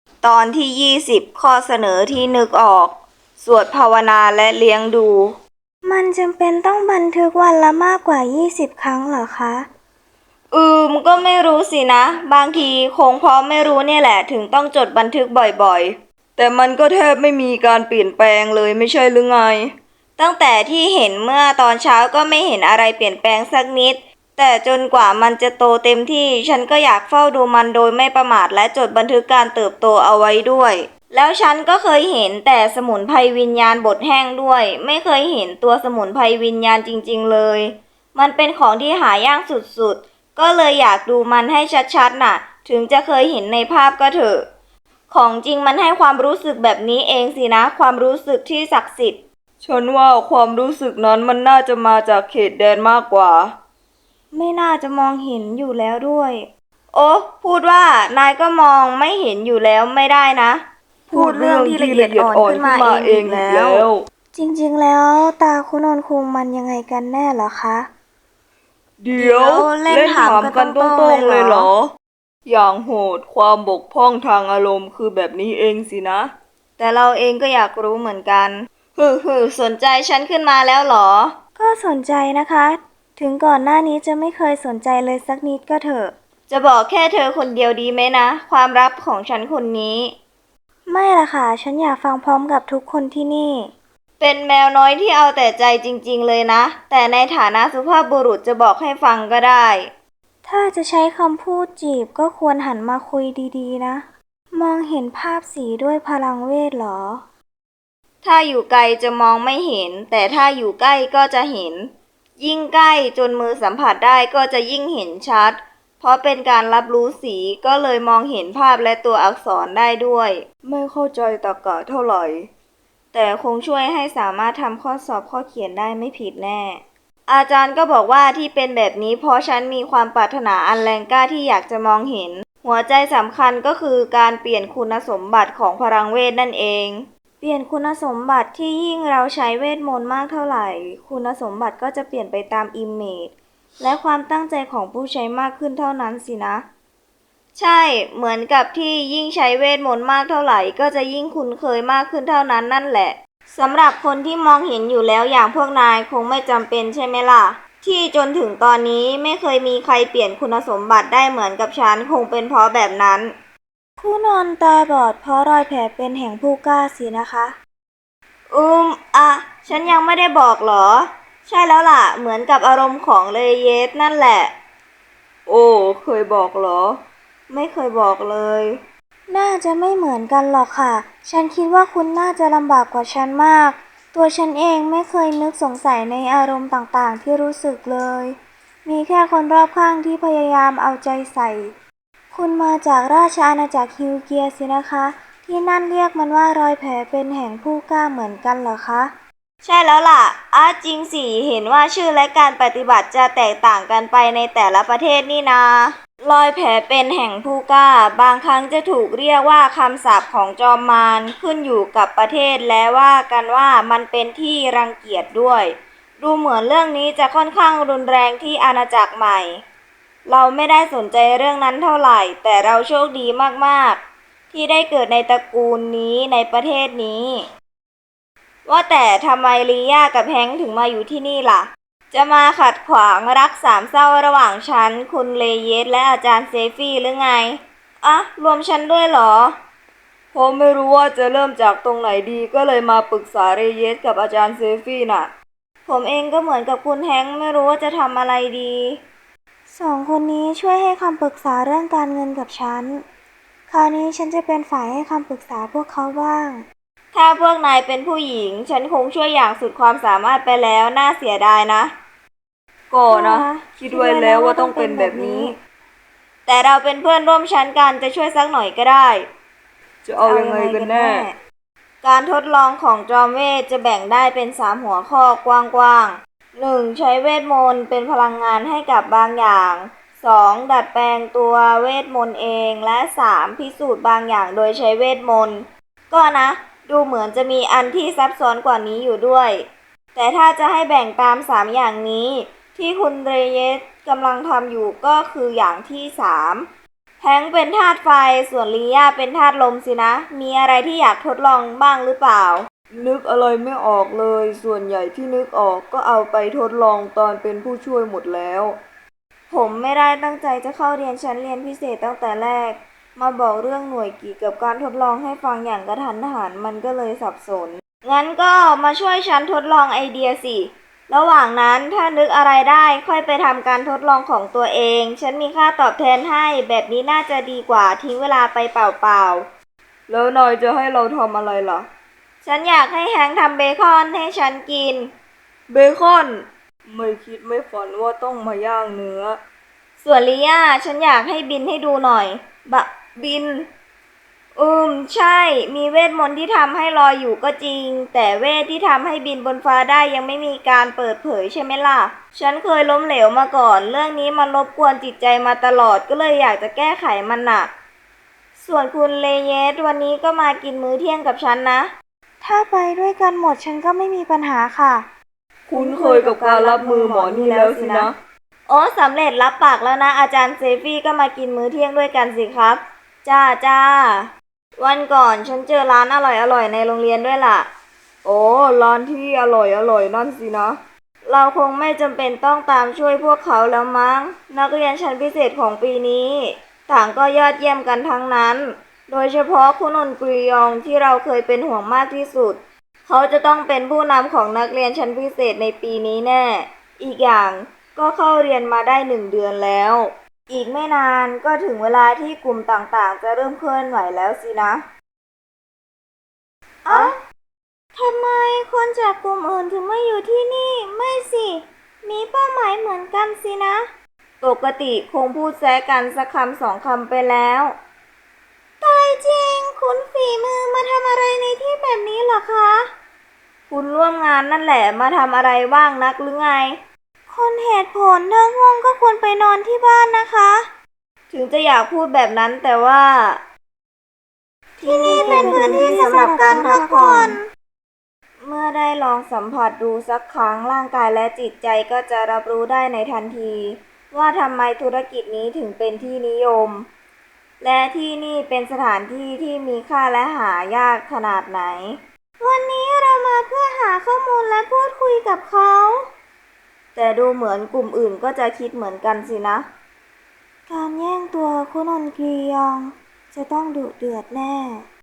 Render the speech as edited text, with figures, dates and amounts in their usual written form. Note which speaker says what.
Speaker 1: ตอนที่20ข้อเสนอที่นึกออกสวดภาวนาและเลี้ยงดูมันจำเป็นต้องบันทึกวันละมากกว่า20ครั้งเหรอคะก็ไม่รู้สินะบางทีคงเพราะไม่รู้เนี่ยแหละถึงต้องจดบันทึกบ่อยๆแต่มันก็แทบไม่มีการเปลี่ยนแปลงเลยไม่ใช่หรือไงตั้งแต่ที่เห็นเมื่อตอนเช้าก็ไม่เห็นอะไรเปลี่ยนแปลงสักนิดแต่จนกว่ามันจะโตเต็มที่ฉันก็อยากเฝ้าดูมันโดยไม่ประมาทและจดบันทึกการเติบโตเอาไว้ด้วยแล้วฉันก็เคยเห็นแต่สมุนไพรวิญญาณบดแห้งด้วยไม่เคยเห็นตัวสมุนไพรวิญญาณจริงๆเลยมันเป็นของที่หายากสุดๆก็เลยอยากดูมันให้ชัดๆน่ะถึงจะเคยเห็นในภาพก็เถอะของจริงมันให้ความรู้สึกแบบนี้เองสินะความรู้สึกที่ศักดิ์สิทธิ์ฉันว่าความรู้สึกนั้นมันน่าจะมาจากเขตแดนมากกว่าไม่น่าจะมองเห็นอยู่แล้วด้วยโอ้พูดว่านายก็มองไม่เห็นอยู่แล้วไม่ได้นะพูดเรื่องที่ละเอียดอ่อนขึ้นมาเองอีกแล้วจริงๆแล้วตาคุณนนคุงมันยังไงกันแน่เหรอคะ
Speaker 2: เดี๋ยวเล่นถามกันตรงๆเลยเหรออย่างโหดความบกพร่องทางอารมณ์คือแบบนี้เองสินะ
Speaker 1: แต่เราเองก็อยากรู้เหมือนกันสนใจฉันขึ้นมาแล้วเหรอก็สนใจนะคะถึงก่อนหน้านี้จะไม่เคยสนใจเลยสักนิดก็เถอะจะบอกแค่เธอคนเดียวดีไหมนะความลับของฉันคนนี้ไม่ล่ะค่ะฉันอยากฟังพร้อมกับทุกคนที่นี่เป็นแมวน้อยที่เอาแต่ใจจริงๆเลยนะแต่ในฐานะสุภาพบุรุษจะบอกให้ฟังก็ได้ถ้าจะใช้คำพูดจีบก็ควรหันมาคุยดีๆนะมองเห็นภาพสีด้วยพลังเวทเหรอถ้าอยู่ไกลจะมองไม่เห็นแต่ถ้าอยู่ใกล้ก็จะเห็นยิ่งใกล้จนมือสัมผัสได้ก็จะยิ่งเห็นชัดเพราะเป็นการรับรู้สีก็เลยมองเห็นภาพและตัวอักษรได้ด้วย
Speaker 2: ไม่เข้าใจตรรกะเท่าไหร่
Speaker 1: แต่คงช่วยให้สามารถทำข้อสอบข้อเขียนได้ไม่ผิดแน่อาจารย์ก็บอกว่าที่เป็นแบบนี้เพราะฉันมีความปรารถนาอันแรงกล้าที่อยากจะมองเห็นหัวใจสำคัญก็คือการเปลี่ยนคุณสมบัติของพลังเวทนั่นเองเปลี่ยนคุณสมบัติที่ยิ่งเราใช้เวทมนต์มากเท่าไหร่คุณสมบัติก็จะเปลี่ยนไปตามอิมเมจและความตั้งใจของผู้ใช้มากขึ้นเท่านั้นสินะใช่เหมือนกับที่ยิ่งใช้เวทมนต์มากเท่าไหร่ก็จะยิ่งคุ้นเคยมากขึ้นเท่านั้นนั่นแหละสำหรับคนที่มองเห็นอยู่แล้วอย่างพวกนายคงไม่จำเป็นใช่ไหมล่ะที่จนถึงตอนนี้ไม่เคยมีใครเปลี่ยนคุณสมบัติได้เหมือนกับฉันคงเป็นเพราะแบบนั้นผู้นอนตาบอดเพราะรอยแผลเป็นแห่งผู้กล้าสินะคะอืมอ่ะฉันยังไม่ได้บอกเหรอใช่แล้วล่ะเหมือนกับอารมณ์ของเลเยสนั่นแหละ
Speaker 2: โอ้เคยบอกเหรอ
Speaker 1: ไม่เคยบอกเลยน่าจะไม่เหมือนกันหรอกค่ะฉันคิดว่าคุณน่าจะลำบากกว่าฉันมากตัวฉันเองไม่เคยนึกสงสัยในอารมณ์ต่างๆที่รู้สึกเลยมีแค่คนรอบข้างที่พยายามเอาใจใส่คุณมาจากราชอาณาจักรฮิวเกียสินะคะที่นั่นเรียกมันว่ารอยแผลเป็นแห่งผู้กล้าเหมือนกันเหรอคะใช่แล้วล่ะจริงสิเห็นว่าชื่อและการปฏิบัติจะแตกต่างกันไปในแต่ละประเทศนี่นา รอยแผลเป็นแห่งผู้กล้าบางครั้งจะถูกเรียกว่าคำสาปของจอมมารขึ้นอยู่กับประเทศและว่ากันว่ามันเป็นที่รังเกียจด้วยดูเหมือนเรื่องนี้จะค่อนข้างรุนแรงที่อาณาจักรใหม่เราไม่ได้สนใจเรื่องนั้นเท่าไหร่แต่เราโชคดีมากๆที่ได้เกิดในตระกูลนี้ในประเทศนี้ว่าแต่ทำไมลีย่ากับแฮงค์ถึงมาอยู่ที่นี่ล่ะ จะมาขัดขวางรักสามเศร้าระหว่างฉันคุณเลเยสและอาจารย์เซฟี่หรือไงรวมฉันด้วยเหรอ
Speaker 2: ผมไม่รู้ว่าจะเริ่มจากตรงไหนดีก็เลยมาปรึกษาเรเยสกับอาจารย์เซฟี่น่ะ
Speaker 1: ผมเองก็เหมือนกับคุณแฮงค์ไม่รู้ว่าจะทำอะไรดีสองคนนี้ช่วยให้คำปรึกษาเรื่องการเงินกับฉันคราวนี้ฉันจะเป็นฝ่ายให้คำปรึกษาพวกเขาบ้างถ้าพวกนายเป็นผู้หญิงฉันคงช่วยอย่างสุดความสามารถไปแล้วน่าเสียดายนะ
Speaker 2: ก็นะคิดไว้แล้วว่าต้องเป็นแบบนี้
Speaker 1: แต่เราเป็นเพื่อนร่วมชั้นกันจะช่วยสักหน่อยก็ได้
Speaker 2: จะเอายังไงกันแน่
Speaker 1: การทดลองของจอมเวทจะแบ่งได้เป็น3หัวข้อกว้างๆ1ใช้เวทมนต์เป็นพลังงานให้กับบางอย่าง2ดัดแปลงตัวเวทมนต์เองและ3พิสูจน์บางอย่างโดยใช้เวทมนต์ก็นะดูเหมือนจะมีอันที่ซับซ้อนกว่านี้อยู่ด้วยแต่ถ้าจะให้แบ่งตาม3อย่างนี้ที่คุณเรเยสกำลังทำอยู่ก็คืออย่างที่3แผแฮงค์เป็นธาตุไฟส่วนลีย่าเป็นธาตุลมสินะ มีอะไรที่อยากทดลองบ้างหรือเปล่า
Speaker 2: นึกอะไรไม่ออกเลย ส่วนใหญ่ที่นึกออกก็เอาไปทดลองตอนเป็นผู้ช่วยหมดแล้ว
Speaker 1: ผมไม่ได้ตั้งใจจะเข้าเรียนชั้นเรียนพิเศษตั้งแต่แรก มาบอกเรื่องหน่วยกิจกับการทดลองให้ฟังอย่างกระทันหันมันก็เลยสับสน งั้นก็มาช่วยฉันทดลองไอเดียสิ ระหว่างนั้นถ้านึกอะไรได้ค่อยไปทำการทดลองของตัวเอง ฉันมีค่าตอบแทนให้แบบนี้น่าจะดีกว่าทิ้งเวลาไปเปล่าๆ
Speaker 2: แล้วนายจะให้เราทำอะไรล่ะ
Speaker 1: ฉันอยากให้แฮงค์ทำเบคอนให้ฉันกิน
Speaker 2: เบคอน ไม่คิดไม่ฝันว่าต้องมาย่างเนื้อ
Speaker 1: ส่วนลีย่าฉันอยากให้บินให้ดูหน่อย บิน ใช่ มีเวทมนต์ที่ทำให้ลอยอยู่ก็จริง แต่เวทที่ทำให้บินบนฟ้าได้ยังไม่มีการเปิดเผยใช่ไหมล่ะ ฉันเคยล้มเหลวมาก่อน เรื่องนี้มันรบกวนจิตใจมาตลอดก็เลยอยากจะแก้ไขมันน่ะ ส่วนคุณเลเยสวันนี้ก็มากินมื้อเที่ยงกับฉันนะ ถ้าไปด้วยกันหมดฉันก็ไม่มีปัญหาค่ะ
Speaker 2: คุ้นเคยกับการรับมือหมอนี่แล้วสินะ
Speaker 1: โอ้สำเร็จรับปากแล้วนะอาจารย์เซฟี่ก็มากินมื้อเที่ยงด้วยกันสิครับ จ้า วันก่อนฉันเจอร้านอร่อยในโรงเรียนด้วยล่ะ
Speaker 2: โอ้ร้านที่อร่อยนั่นสินะ
Speaker 1: เราคงไม่จำเป็นต้องตามช่วยพวกเขาแล้วมั้ง นักเรียนชั้นพิเศษของปีนี้ต่างก็ยอดเยี่ยมกันทั้งนั้น โดยเฉพาะคุณอนกรียองที่เราเคยเป็นห่วงมากที่สุด เขาจะต้องเป็นผู้นำของนักเรียนชั้นพิเศษในปีนี้แน่ อีกอย่างก็เข้าเรียนมาได้1 เดือนแล้ว อีกไม่นานก็ถึงเวลาที่กลุ่มต่างๆจะเริ่มเคลื่อนไหวแล้วสินะทำไมคนจากกลุ่มอื่นถึงไม่อยู่ที่นี่ ไม่สิ มีเป้าหมายเหมือนกันสินะ ปกติคงพูดแซะกันสักคำ2 คำไปแล้วตายจริง คุณฝีมือมาทำอะไรในที่แบบนี้เหรอคะ คุณร่วมงานนั่นแหละมาทำอะไรว่างนักหรือไง คนเหตุผลถ้าง่วงก็ควรไปนอนที่บ้านนะคะ ถึงจะอยากพูดแบบนั้นแต่ว่า ที่นี่เป็นพื้นที่สำหรับการพักผ่อน เมื่อได้ลองสัมผัสดูสักครั้งร่างกายและจิตใจก็จะรับรู้ได้ในทันที ว่าทำไมธุรกิจนี้ถึงเป็นที่นิยม และที่นี่เป็นสถานที่ที่มีค่าและหายากขนาดไหน วันนี้เรามาเพื่อหาข้อมูลและพูดคุยกับเขา แต่ดูเหมือนกลุ่มอื่นก็จะคิดเหมือนกันสินะ การแย่งตัวคุณอนกียองจะต้องดุเดือดแน่